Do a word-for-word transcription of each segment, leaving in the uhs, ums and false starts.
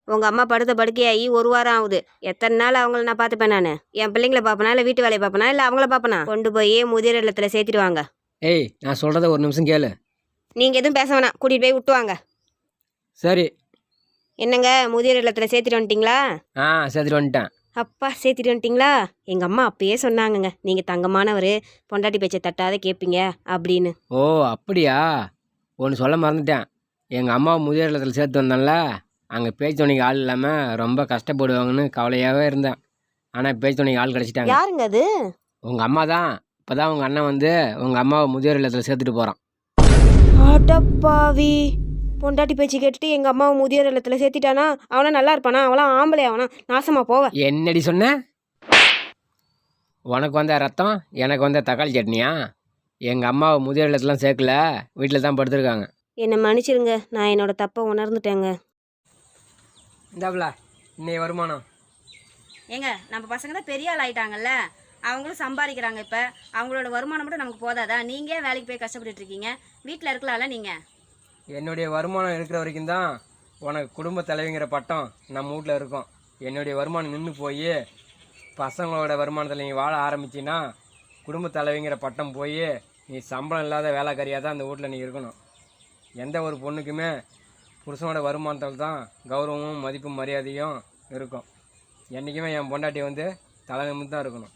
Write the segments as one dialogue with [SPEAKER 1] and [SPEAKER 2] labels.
[SPEAKER 1] உங்கள் அம்மா படுத்த படுக்கையாகி ஒரு வாரம் ஆகுது. எத்தனை நாள் அவங்கள நான் பார்த்துப்பேன்? நான் என் பிள்ளைங்கள பார்ப்பனா இல்லை வீட்டு வேலையை பார்ப்பனா இல்லை அவங்கள பார்ப்பனா? கொண்டு போய் முதியோர் இல்லத்தில் சேர்த்துடுவாங்க.
[SPEAKER 2] ஏய், நான் சொல்கிறத ஒரு நிமிஷம் கேளு.
[SPEAKER 1] நீங்கள் எதுவும் பேச வேணாம், கூட்டிகிட்டு போய் விட்டுவாங்க.
[SPEAKER 2] சரி.
[SPEAKER 1] என்னங்க, முதியோர் இல்லத்தில் சேர்த்துட்டு வந்துட்டிங்களா?
[SPEAKER 2] ஆ, சேர்த்துட்டு வந்துட்டேன்.
[SPEAKER 1] அப்பா, சேர்த்துட்டு வந்துட்டிங்களா? எங்கள் அம்மா அப்பயே சொன்னாங்கங்க, நீங்கள் தங்கமானவர், பொண்டாட்டி பேச்சை தட்டாத கேட்பீங்க அப்படின்னு.
[SPEAKER 2] ஓ, அப்படியா? ஒன்று சொல்ல மறந்துட்டேன். எங்கள் அம்மாவை முதியோர் இல்லத்தில் சேர்த்து வந்தேன்ல, அங்கே பேச்சு துணைக்கு ஆள் இல்லாமல் ரொம்ப கஷ்டப்படுவாங்கன்னு கவலையாகவே இருந்தேன். ஆனால் பேச்சு துணைக்கு ஆள் கிடச்சிட்டாங்க.
[SPEAKER 1] யாருங்க அது?
[SPEAKER 2] உங்கள் அம்மா தான். இப்போ தான் உங்கள் அண்ணன் வந்து உங்கள் அம்மாவை முதியோர் இல்லத்தில் சேர்த்துட்டு போகிறான்.
[SPEAKER 1] அடப்பாவி, பொண்டாட்டி பேச்சு கேட்டுட்டு எங்கள் அம்மாவை முதியோர் இல்லத்தில் சேர்த்திட்டானா? அவனா நல்லா இருப்பானா? அவளாம் ஆம்பளை, அவனா நாசமா போவ.
[SPEAKER 2] என்னடி சொன்ன? உனக்கு வந்த ரத்தம் எனக்கு வந்த தக்காளி சட்னியா? எங்கள் அம்மாவை முதியோர் இல்லத்துலாம் சேர்க்கல, வீட்டில் தான் படுத்துருக்காங்க.
[SPEAKER 1] என்னை மன்னிச்சிருங்க, நான் என்னோட தப்பை உணர்ந்துட்டேங்க.
[SPEAKER 2] இந்தாப்புல இன்னைய வருமானம்.
[SPEAKER 1] ஏங்க, நம்ம பசங்க தான் பெரிய ஆள் ஆயிட்டாங்கல்ல, அவங்களும் சம்பாதிக்கிறாங்க. இப்போ அவங்களோட வருமானம் மட்டும் நமக்கு போதாதா? நீங்கள் வேலைக்கு போய் கஷ்டப்பட்டு இருக்கீங்க, வீட்டில் இருக்கலாம்ல நீங்கள்.
[SPEAKER 2] என்னுடைய வருமானம் இருக்கிற வரைக்கும் தான் உனக்கு குடும்ப தலைவிங்கிற பட்டம் நம்ம வீட்டில் இருக்கும். என்னுடைய வருமானம் நின்று போய் பசங்களோட வருமானத்தில் நீ வாழ ஆரம்பிச்சின்னா குடும்ப தலைவிங்கிற பட்டம் போய் நீ சம்பளம் இல்லாத வேலைக்காரியாக தான் அந்த வீட்டில் நீ இருக்கணும். எந்த ஒரு பொண்ணுக்குமே புருஷனோட வருமானத்தில் தான் கௌரவமும் மதிப்பும் மரியாதையும் இருக்கும். என்றைக்குமே என் பொண்டாட்டி வந்து தலை நிமிர்ந்து தான் இருக்கணும்.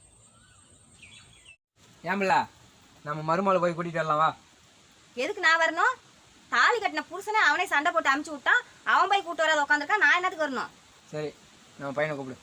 [SPEAKER 2] ஏம்பில்ல, நம்ம மருமகளை போய் கூட்டிகிட்டு வரலாம் வா.
[SPEAKER 1] எதுக்கு நான் வரணும்? தாலி கட்டின புருஷனை அவனே சண்டை போட்டு அமுச்சு விட்டான், அவன் போய் கூட்டு வராது உட்காந்துருக்கா, நான் என்னத்துக்கு வரணும்?
[SPEAKER 2] சரி, நம்ம பையனை கூப்பிடு.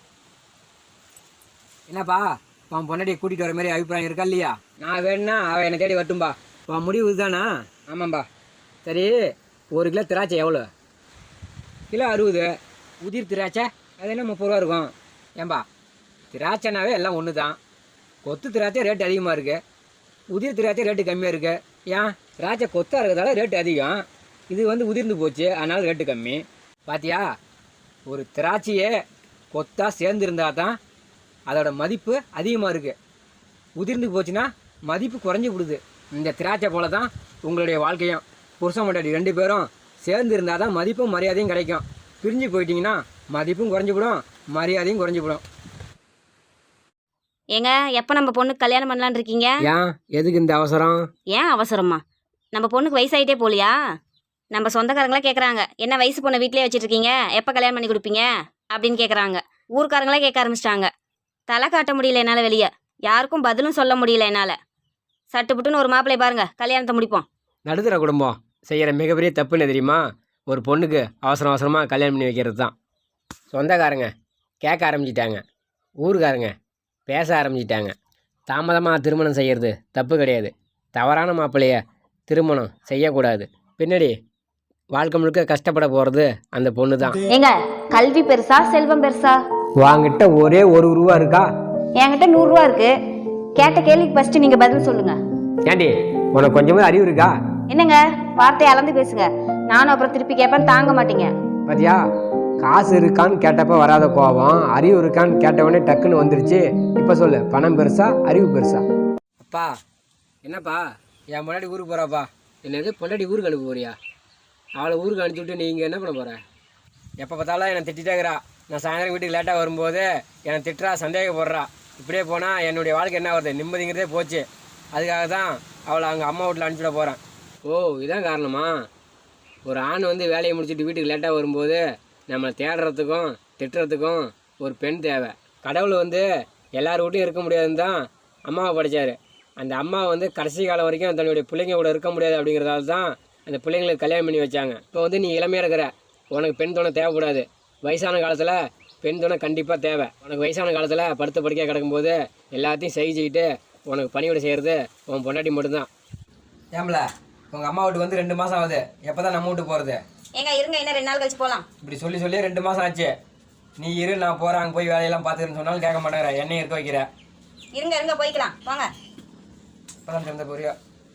[SPEAKER 2] என்னப்பா, உன் பொண்டாட்டியை கூட்டிகிட்டு வர மாதிரி அபிப்பிராயம் இருக்கா இல்லையா? நான் வேணும்னா அவள் என்னை தேடி வரட்டும்பா. உன் முடிவு இதுதானா? ஆமாம்பா. சரி, ஒரு கிலோ திராட்சை எவ்வளோ? கிலோ அறுபது. உதிர் திராட்சை அது என்ன முப்பது ரூபா இருக்கும். ஏன்பா, திராட்சைனாவே எல்லாம் ஒன்று தான். கொத்து திராட்சை ரேட்டு அதிகமாக இருக்குது, உதிர் திராட்சை ரேட்டு கம்மியாக இருக்குது. ஏன்? திராட்சை கொத்தாக இருக்கிறதால ரேட்டு அதிகம், இது வந்து உதிர்ந்து போச்சு அதனால் ரேட்டு கம்மி. பாத்தியா, ஒரு திராட்சையே கொத்தாக சேர்ந்துருந்தால் தான் அதோட மதிப்பு அதிகமாக இருக்குது. உதிர்ந்து போச்சுன்னா மதிப்பு குறைஞ்சி விடுது. இந்த திராட்சை போல தான் உங்களுடைய வாழ்க்கையும். புருஷன் பொண்டாட்டி ரெண்டு பேரும் சேர்ந்து இருந்தால் தான் மதிப்பும் மரியாதையும் கிடைக்கும். பிரிஞ்சு போயிட்டீங்கன்னா மதிப்பும் குறைஞ்சிவிடும், மரியாதையும் குறைஞ்சிவிடும்.
[SPEAKER 1] ஏங்க, எப்போ நம்ம பொண்ணுக்கு கல்யாணம் பண்ணலான்னு இருக்கீங்க?
[SPEAKER 2] ஏன், எதுக்கு இந்த அவசரம்?
[SPEAKER 1] ஏன் அவசரமா? நம்ம பொண்ணுக்கு வயசாயிட்டே போலியா? நம்ம சொந்தக்காரங்களே கேட்குறாங்க, என்ன வயசு பொண்ணை வீட்டிலே வச்சுட்டு இருக்கீங்க, எப்போ கல்யாணம் பண்ணி கொடுப்பீங்க அப்படின்னு கேட்குறாங்க. ஊருக்காரங்களே கேட்க ஆரம்பிச்சிட்டாங்க. தலை காட்ட முடியல என்னால், வெளியே யாருக்கும் பதிலும் சொல்ல முடியல என்னால். சட்டுப்புட்டுன்னு ஒரு மாப்பிள்ளை பாருங்க, கல்யாணத்தை முடிப்போம்.
[SPEAKER 2] நடுத்தர குடும்பம் செய்கிற மிகப்பெரிய தப்புன்னு தெரியுமா? ஒரு பொண்ணுக்கு அவசரம் அவசரமாக கல்யாணம் பண்ணி வைக்கிறது தான். சொந்தக்காரங்க கேட்க ஆரம்பிச்சிட்டாங்க, ஊருக்காரங்க பேச ஆரம்பிச்சிட்டாங்க. தாமதமாக திருமணம் செய்கிறது தப்பு கிடையாது. தவறான மாப்பிள்ளைய திருமணம் செய்யக்கூடாது. பின்னாடி வாழ்க்கை முழுக்க கஷ்டப்பட போகிறது அந்த பொண்ணு தான்.
[SPEAKER 1] ஏங்க, கல்வி பெருசா செல்வம் பெருசா?
[SPEAKER 2] வாங்கிட்ட ஒரே ஒரு ரூபா இருக்கா?
[SPEAKER 1] என்கிட்ட நூறுரூவா இருக்கு. கேட்ட கேள்விக்கு ஃபர்ஸ்ட் நீங்க பதில் சொல்லுங்க.
[SPEAKER 2] ஏண்டி, உனக்கு கொஞ்சமாக அறிவு இருக்கா?
[SPEAKER 1] என்னங்க, வார்த்தையை அளந்து பேசுங்க, நானும் அப்புறம் திருப்பி கேட்பேன், தாங்க மாட்டீங்க.
[SPEAKER 2] பாத்தியா, காசு இருக்கான்னு கேட்டப்ப வராத கோபம் அறிவு இருக்கான்னு கேட்டவொடனே டக்குன்னு வந்துருச்சு. இப்போ சொல்லு, பணம் பெருசா அறிவு பெருசா? அப்பா, என்னப்பா என் பொண்டாட்டி ஊருக்கு போகிறாப்பா. என்னது, பொண்டாட்டி ஊருக்கு அனுப்ப போறியா? அவளை ஊருக்கு அனுப்பிச்சி விட்டு நீங்கள் என்ன பண்ண போகிற? எப்போ பார்த்தாலும் என்னை திட்டிட்டேங்கிறா. நான் சாயந்தரம் வீட்டுக்கு லேட்டாக வரும்போது என்னை திட்டுறா, சந்தேகப்படுறா. இப்படியே போனால் என்னுடைய வாழ்க்கை என்ன வருது, நிம்மதிங்கிறதே போச்சு. அதுக்காக தான் அவளை அவங்க அம்மா வீட்டில் அனுப்பிச்சிட போகிறேன். ஓ, இதான் காரணமா? ஒரு ஆண் வந்து வேலையை முடிச்சுட்டு வீட்டுக்கு லேட்டாக வரும்போது நம்மளை தேடுறதுக்கும் திட்டுறதுக்கும் ஒரு பெண் தேவை. கடவுள் வந்து எல்லார் வீட்டையும் இருக்க முடியாதுன்னு தான் அம்மாவை படைச்சார். அந்த அம்மா வந்து கடைசி காலம் வரைக்கும் தன்னுடைய பிள்ளைங்க கூட இருக்க முடியாது அப்படிங்கிறதால தான் அந்த பிள்ளைங்களுக்கு கல்யாணம் பண்ணி வச்சாங்க. இப்போ வந்து நீ இளமையாக இருக்கிற, உனக்கு பெண் துணை தேவைப்படாது. வயசான காலத்தில் பெண் துணை கண்டிப்பாக தேவை. உனக்கு வயசான காலத்தில் படுத்த படுக்கையாக கிடக்கும்போது எல்லாத்தையும் செஞ்சுக்கிட்டு உனக்கு பணிவிட செய்கிறது உன் பொண்டாட்டி மட்டும்தான். ஏம்பல, உங்கள் அம்மா வீட்டுக்கு வந்து ரெண்டு மாதம் ஆகுது, எப்போ தான் நம்ம வீட்டுக்கு போகிறது?
[SPEAKER 1] ஏங்க இருங்க, இன்னும் ரெண்டு நாள் கழிச்சு போகலாம்.
[SPEAKER 2] இப்படி சொல்லி சொல்லி ரெண்டு மாதம் ஆச்சு. நீ இரு, நான் போகிறேன், அங்கே போய் வேலையெல்லாம் பார்த்துக்கிறேன்னு சொன்னாலும் கேட்க மாட்டேங்கிற. என்னையும் இருக்க வைக்கிற.
[SPEAKER 1] இருங்க இருங்க, போய்க்கலாம் வாங்க.
[SPEAKER 2] இப்போதான் திறந்த போறியா?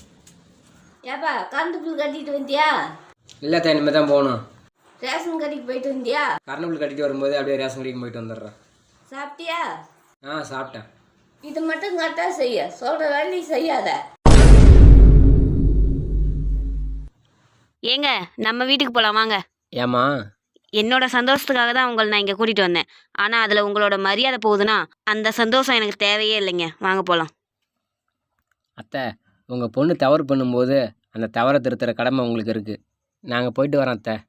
[SPEAKER 3] ஏப்பா, கரண்ட் பில் கட்டிட்டு வந்தியா?
[SPEAKER 2] இல்லை தான், இனிமேல் தான் போகணும்.
[SPEAKER 3] ரேஷன் கடைக்கு போயிட்டு வந்தியா?
[SPEAKER 2] கரண்ட் பில் கட்டிட்டு வரும்போது அப்படியே ரேஷன் கடைக்கு போயிட்டு வந்துடுறேன்.
[SPEAKER 3] சாப்பிட்டியா?
[SPEAKER 2] ஆ, சாப்பிட்டேன்.
[SPEAKER 3] இது மட்டும் கரெக்டாக செய்ய, சொல்கிற வேலையை செய்யாத.
[SPEAKER 1] ஏங்க, நம்ம வீட்டுக்கு போகலாம் வாங்க.
[SPEAKER 2] ஏம்மா,
[SPEAKER 1] என்னோட சந்தோஷத்துக்காக தான் உங்களை நான் இங்கே கூட்டிகிட்டு வந்தேன். ஆனால் அதில் உங்களோட மரியாதை போகுதுன்னா அந்த சந்தோஷம் எனக்கு தேவையே இல்லைங்க. வாங்க போகலாம்.
[SPEAKER 2] அத்தை, உங்கள் பொண்ணு தவறு பண்ணும்போது அந்த தவறை திருத்துற கடமை உங்களுக்கு இருக்குது. நாங்கள் போயிட்டு வரோம் அத்தை.